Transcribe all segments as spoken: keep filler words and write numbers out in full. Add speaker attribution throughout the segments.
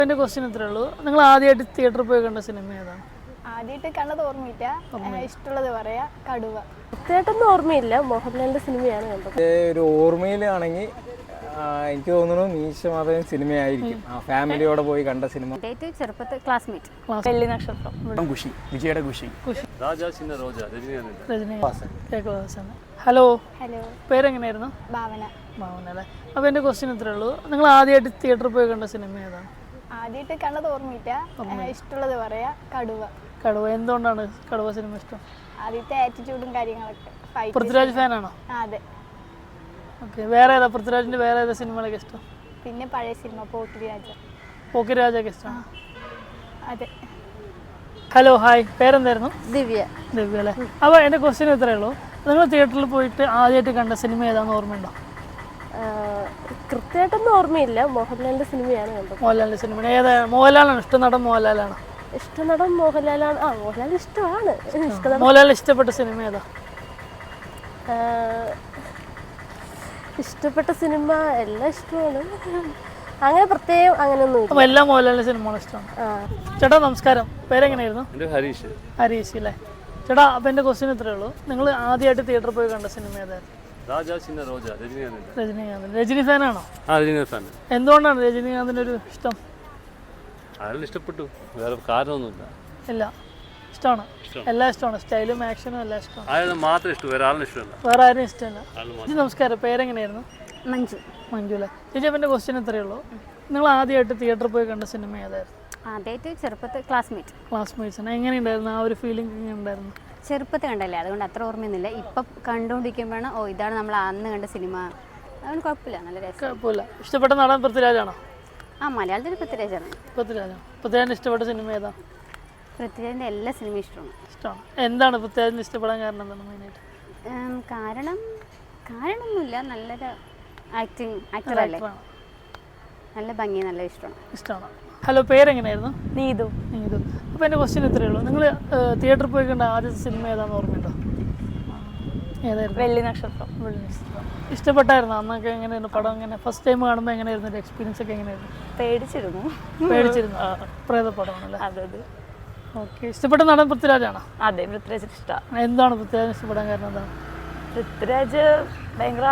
Speaker 1: എൻ്റെ ക്വസ്റ്റ്യൻ ഇത്രേ ഉള്ളൂ. നിങ്ങൾ ആദ്യമായിട്ട് തിയേറ്ററിൽ പോയി കണ്ട സിനിമ ഏതാണ്?
Speaker 2: ആദ്യമായിട്ട് കണ്ടത് ഓർമ്മയില്ല. ഇഷ്ടമുള്ളത് പറയാ കടുവ.
Speaker 3: കൃത്യമായിട്ടൊന്നും ഓർമ്മയില്ല. മോഹൻലാലിന്റെ സിനിമയാണ് കണ്ടത്.
Speaker 4: ഒരു ഓർമ്മയിലാണെങ്കിൽ എനിക്ക് തോന്നുന്നു മീശ മാധവൻ സിനിമയായിരിക്കും. ആ ഫാമിലിയോടെ പോയി കണ്ട സിനിമ.
Speaker 5: ചെറുപ്പത്തിൽ ക്ലാസ്മേറ്റ്.
Speaker 1: വെള്ളി നക്ഷത്രം.
Speaker 6: ഖുഷി, വിജയുടെ ഖുഷി.
Speaker 1: ഹലോ,
Speaker 2: ഹലോ,
Speaker 1: പേരെങ്ങനെയായിരുന്നു?
Speaker 2: ഭാവന.
Speaker 1: ഭാവന അല്ലേ. അപ്പോൾ എൻ്റെ ക്വസ്റ്റ്യൻ ഇത്രേ ഉള്ളൂ. നിങ്ങൾ ആദ്യമായിട്ട് തിയേറ്ററിൽ പോയി കണ്ട സിനിമ ഏതാണ്?
Speaker 2: ആദ്യമായിട്ട് കണ്ടത് ഓർമ്മയില്ല. ഇഷ്ടമുള്ളത് പറയാ കടുവ.
Speaker 1: കടുവ. എന്തുകൊണ്ടാണ് കടുവ സിനിമ ഇഷ്ടം?
Speaker 2: ആദ്യത്തെ ആറ്റിറ്റ്യൂഡും കാര്യങ്ങളൊക്കെ.
Speaker 1: പൃഥ്വിരാജ് ഫാനാണോ?
Speaker 2: അതെ.
Speaker 1: ഓക്കെ. വേറെ ഏതാ പൃഥ്വിരാജിൻ്റെ വേറെ ഏതാ സിനിമകളൊക്കെ ഇഷ്ടം?
Speaker 2: പിന്നെ പഴയ സിനിമ പോക്കിരിരാജ.
Speaker 1: പോക്കിരിരാജൊക്കെ ഇഷ്ടമാണ്.
Speaker 2: അതെ.
Speaker 1: ഹലോ, ഹായ്, പേരെന്തായിരുന്നു?
Speaker 3: ദിവ്യ.
Speaker 1: ദിവ്യ അല്ലേ. അപ്പോൾ എൻ്റെ ക്വസ്റ്റ്യൻ ഇത്രയേ ഉള്ളൂ. നിങ്ങൾ തിയേറ്ററിൽ പോയിട്ട് ആദ്യമായിട്ട് കണ്ട സിനിമ ഏതാണെന്ന് ഓർമ്മയുണ്ടോ?
Speaker 3: കൃത്യമായിട്ടൊന്നും ഓർമ്മയില്ല. മോഹൻലാലിന്റെ സിനിമയാണ് കണ്ടത്.
Speaker 1: മോഹൻലാലിൻ്റെ സിനിമ ഏതാണ്? മോഹൻലാലാണ് ഇഷ്ടം നടൻ? മോഹൻലാലാണ്
Speaker 3: ഇഷ്ട നടൻ മോഹൻലാലാണ്. ആ, മോഹൻലാൽ ഇഷ്ടമാണ്.
Speaker 1: മോഹൻലാൽ ഇഷ്ടപ്പെട്ട സിനിമ ഏതാ?
Speaker 3: ഇഷ്ടപ്പെട്ട സിനിമ എല്ലാം ഇഷ്ടമാണ്. അങ്ങനെ പ്രത്യേകം അങ്ങനെയൊന്നും.
Speaker 1: അപ്പോൾ എല്ലാ മോഹൻലാലിൻ്റെ സിനിമകളും ഇഷ്ടമാണ്. ചേട്ടാ നമസ്കാരം, പേരെങ്ങനെയായിരുന്നു?
Speaker 6: ഹരീഷ്.
Speaker 1: ഹരീഷ് അല്ലേ. ചേട്ടാ, അപ്പോൾ എൻ്റെ ക്വസ്റ്റ്യൻ ഇത്രയേ ഉള്ളൂ. നിങ്ങൾ ആദ്യമായിട്ട് തിയേറ്ററിൽ പോയി കണ്ട സിനിമ ഏതായിരുന്നു? രജനീകാന്ത്. രജനി ഫാനാണോ? എന്തുകൊണ്ടാണ് രജനീകാന്തിൻ്റെ ഒരു ഇഷ്ടം?
Speaker 6: ഇഷ്ടപ്പെട്ടു, വേറെ കാരണമൊന്നുമില്ല.
Speaker 1: ഇല്ല, ഇഷ്ടമാണ്. എല്ലാം ഇഷ്ടമാണ്. സ്റ്റൈലും ആക്ഷനും എല്ലാം ഇഷ്ടമാണ്.
Speaker 6: മാത്രം ഇഷ്ടം, വേറെ ആളിനും ഇഷ്ടമല്ല.
Speaker 1: വേറെ ആരും ഇഷ്ടമല്ല. ചേച്ചി നമസ്കാരം, പേരെങ്ങനെയായിരുന്നു?
Speaker 5: മഞ്ജു.
Speaker 1: മഞ്ജു അല്ലേ. ചേച്ചി, അപ്പം എൻ്റെ ക്വസ്റ്റ്യൻ ഇത്രയേ ഉള്ളൂ. നിങ്ങൾ ആദ്യമായിട്ട് തിയേറ്ററിൽ പോയി കണ്ട സിനിമ ഏതായിരുന്നു?
Speaker 5: ആദ്യമായിട്ട് ചെറുപ്പത്തിൽ ക്ലാസ്മേറ്റ്.
Speaker 1: ക്ലാസ്മേറ്റ്സാണ്. എങ്ങനെയുണ്ടായിരുന്നു? ആ ഒരു ഫീലിംഗ് എങ്ങനെ ഉണ്ടായിരുന്നു?
Speaker 5: ചെറുപ്പത്തിൽ കണ്ടല്ലേ, അതുകൊണ്ട് അത്ര ഓർമ്മയൊന്നുമില്ല. ഇപ്പം കണ്ടുകൊണ്ടിരിക്കുമ്പോഴാണ് ഓ ഇതാണ് നമ്മൾ അന്ന് കണ്ട സിനിമ. അതുകൊണ്ട് കുഴപ്പമില്ല, നല്ല രസം.
Speaker 1: കുഴപ്പമില്ല. ഇഷ്ടപ്പെട്ട നടൻ പൃഥ്വിരാജാണോ?
Speaker 5: ആ, മലയാളത്തിൽ പൃഥ്വിരാജാണ്.
Speaker 1: പൃഥ്വിരാജാണ്. പൃഥ്വിരാജിന് ഇഷ്ടപ്പെട്ട സിനിമ ഏതാ?
Speaker 5: പൃഥ്വിരാജിൻ്റെ എല്ലാ സിനിമയും ഇഷ്ടമാണ്.
Speaker 1: ഇഷ്ടമാണ്. എന്താണ് പൃഥ്വിരാജിന് ഇഷ്ടപ്പെടാൻ കാരണം? എന്താണ് മെയിനായിട്ട്?
Speaker 5: കാരണം കാര്യമൊന്നുമില്ല, നല്ലൊരു ആക്ടിങ് ആക്ടറല്ലേ, നല്ല ഭംഗി, നല്ല ഇഷ്ടമാണ്.
Speaker 1: ഇഷ്ടമാണ്. ഹലോ, പേരെങ്ങനെയായിരുന്നു?
Speaker 3: നീതു.
Speaker 1: നീതു. അപ്പോൾ എൻ്റെ ക്വസ്റ്റ്യൻ ഇത്രയേ ഉള്ളൂ. നിങ്ങൾ തിയേറ്ററിൽ പോയി കണ്ട ആദ്യത്തെ സിനിമ ഏതാണെന്ന് ഓർമ്മയുണ്ടോ? ഏതായിരുന്നു?
Speaker 3: വെള്ളി നക്ഷത്രം.
Speaker 1: വെള്ളി നക്ഷത്രം. ഇഷ്ടപ്പെട്ടായിരുന്നു അന്നൊക്കെ? എങ്ങനെയായിരുന്നു പടം? എങ്ങനെ ഫസ്റ്റ് ടൈം കാണുമ്പോൾ എങ്ങനെയായിരുന്നു എൻ്റെ എക്സ്പീരിയൻസ് ഒക്കെ? എങ്ങനെയായിരുന്നു?
Speaker 3: പേടിച്ചിരുന്നു.
Speaker 1: പേടിച്ചിരുന്നു. പ്രേതപ്പടമാണല്ലേ?
Speaker 3: അതെ അതെ.
Speaker 1: ഓക്കെ. ഇഷ്ടപ്പെട്ട നടൻ പൃഥ്വിരാജാണോ?
Speaker 3: അതെ, പൃഥ്വിരാജ് ഇഷ്ടമാണ്.
Speaker 1: എന്താണ് പൃഥ്വിരാജ് ഇഷ്ടപ്പെടാൻ കാരണം? എന്താണ്?
Speaker 3: പൃഥ്വിരാജ് ഭയങ്കര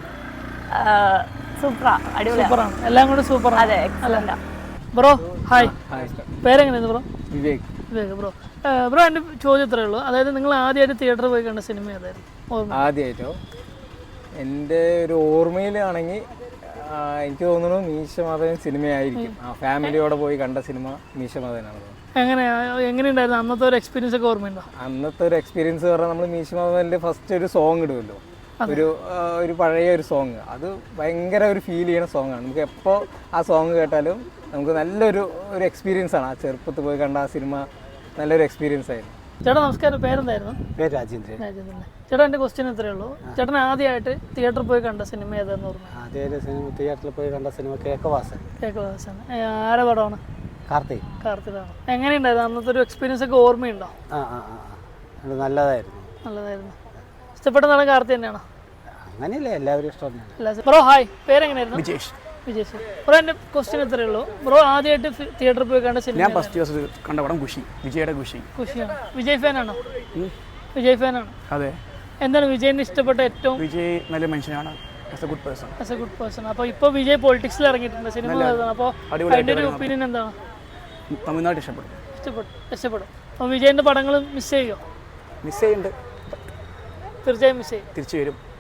Speaker 3: സൂപ്പറാ, അടിപൊളി,
Speaker 1: സൂപ്പറാണ്. എല്ലാം കൂടെ സൂപ്പറാണ്.
Speaker 3: അതെ, എക്സലന്റാ.
Speaker 1: ബ്രോ ഹായ്, പേരെങ്ങനെയാണ് bro?
Speaker 4: Vivek.
Speaker 1: Vivek. Bro bro എൻ്റെ ചോദ്യം ഇത്രയേ ഉള്ളൂ. അതായത് നിങ്ങൾ ആദ്യമായിട്ട് തിയേറ്ററിൽ പോയി കണ്ട സിനിമ ഏതായിരുന്നു? ഓർമ്മ?
Speaker 4: ആദ്യമായിട്ടോ എൻ്റെ ഒരു ഓർമ്മയിലാണെങ്കിൽ എനിക്ക് തോന്നുന്നു മീശ മാധവൻ സിനിമയായിരിക്കും. ആ ഫാമിലിയോടെ പോയി കണ്ട സിനിമ മീശ മാധവനാണ്.
Speaker 1: എങ്ങനെയാ എങ്ങനെയുണ്ടായിരുന്നു അന്നത്തെ ഒരു എക്സ്പീരിയൻസ് ഒക്കെ ഓർമ്മയുണ്ടോ?
Speaker 4: അന്നത്തെ ഒരു എക്സ്പീരിയൻസ് പറഞ്ഞാൽ നമ്മൾ മീശ മാധവൻ്റെ ഫസ്റ്റ് ഒരു സോങ് ഇടുമല്ലോ, ഒരു ഒരു പഴയ ഒരു സോങ്. അത് ഭയങ്കര ഒരു ഫീൽ ചെയ്യുന്ന സോങ്ങാണ്. നമുക്ക് എപ്പോൾ ആ സോങ് കേട്ടാലും നമുക്ക് നല്ലൊരു ഒരു എക്സ്പീരിയൻസ് ആണ്. ആ ചെറുപ്പത്തിൽ പോയി കണ്ട ആ സിനിമ നല്ലൊരു എക്സ്പീരിയൻസ് ആയിരുന്നു.
Speaker 1: ചേട്ടാ നമസ്കാരം, പേരെന്തായിരുന്നു?
Speaker 4: പേര് രാജേന്ദ്രൻ.
Speaker 1: രാജേന്ദ്രൻ. ചേട്ടാ എൻ്റെ ക്വസ്റ്റ്യൻ ഇത്രയേ ഉള്ളൂ. ചേട്ടൻ ആദ്യമായിട്ട് തിയേറ്ററിൽ പോയി കണ്ട സിനിമ ഏതാണെന്ന് ഓർമ്മ?
Speaker 7: ആദ്യമായിട്ട് സിനിമ തിയേറ്ററിൽ പോയി കണ്ട സിനിമ കേക്കവാസൻ.
Speaker 1: കേക്കവാസൻ. ആരെ പടമാണ്?
Speaker 7: കാർത്തിക്.
Speaker 1: കാർത്തികാണ്. എങ്ങനെയുണ്ടായിരുന്നു അന്നത്തെ ഒരു എക്സ്പീരിയൻസ് ഒക്കെ? ഓർമ്മയുണ്ടോ?
Speaker 7: ആ ആ ആ അത് നല്ലതായിരുന്നു.
Speaker 1: നല്ലതായിരുന്നു. ഇഷ്ടപ്പെട്ട നടൻ കാർത്തി തന്നെയാണോ?
Speaker 7: അങ്ങനെയല്ലേ, എല്ലാവരും ഇഷ്ടം തന്നെയാണ്.
Speaker 1: ബ്രോ ഹായ്, പേരെങ്ങനെയായിരുന്നു?
Speaker 6: വിജേഷ്.
Speaker 1: വിജേഷ്. ബ്രോ എൻ്റെ ക്വസ്റ്റ്യൻ ഇത്രയേ ഉള്ളൂ. ബ്രോ ആദ്യമായിട്ട് തിയേറ്ററിൽ പോയി കണ്ട സിനിമ?
Speaker 6: ഞാൻ ഫസ്റ്റ് ദിവസം കണ്ട പടം ഖുഷി, വിജയുടെ ഖുഷി.
Speaker 1: ഖുഷിയാണ്. വിജയ് ഫാനാണോ? വിജയ് ഫാനാണ്.
Speaker 6: അതെ.
Speaker 1: എന്താണ് വിജയിന് ഇഷ്ടപ്പെട്ട ഏറ്റവും?
Speaker 6: വിജയ് നല്ല മനുഷ്യനാണ്, as a good person.
Speaker 1: As a good person. അപ്പോൾ ഇപ്പോൾ വിജയ് പൊളിറ്റിക്സിൽ ഇറങ്ങിയിട്ടുണ്ട്, സിനിമ. അപ്പോൾ അതിൻ്റെ ഒരു ഒപ്പീനിയൻ എന്താണ്?
Speaker 6: തമിഴ്നാട് ഇഷ്ടപ്പെടും.
Speaker 1: ഇഷ്ടപ്പെടും. ഇഷ്ടപ്പെടും. അപ്പോൾ വിജയൻ്റെ പടങ്ങൾ മിസ് ചെയ്യുമോ?
Speaker 6: മിസ് ചെയ്യുന്നുണ്ട്,
Speaker 1: തീർച്ചയായും മിസ് ചെയ്യും.
Speaker 6: തിരിച്ചു വരും.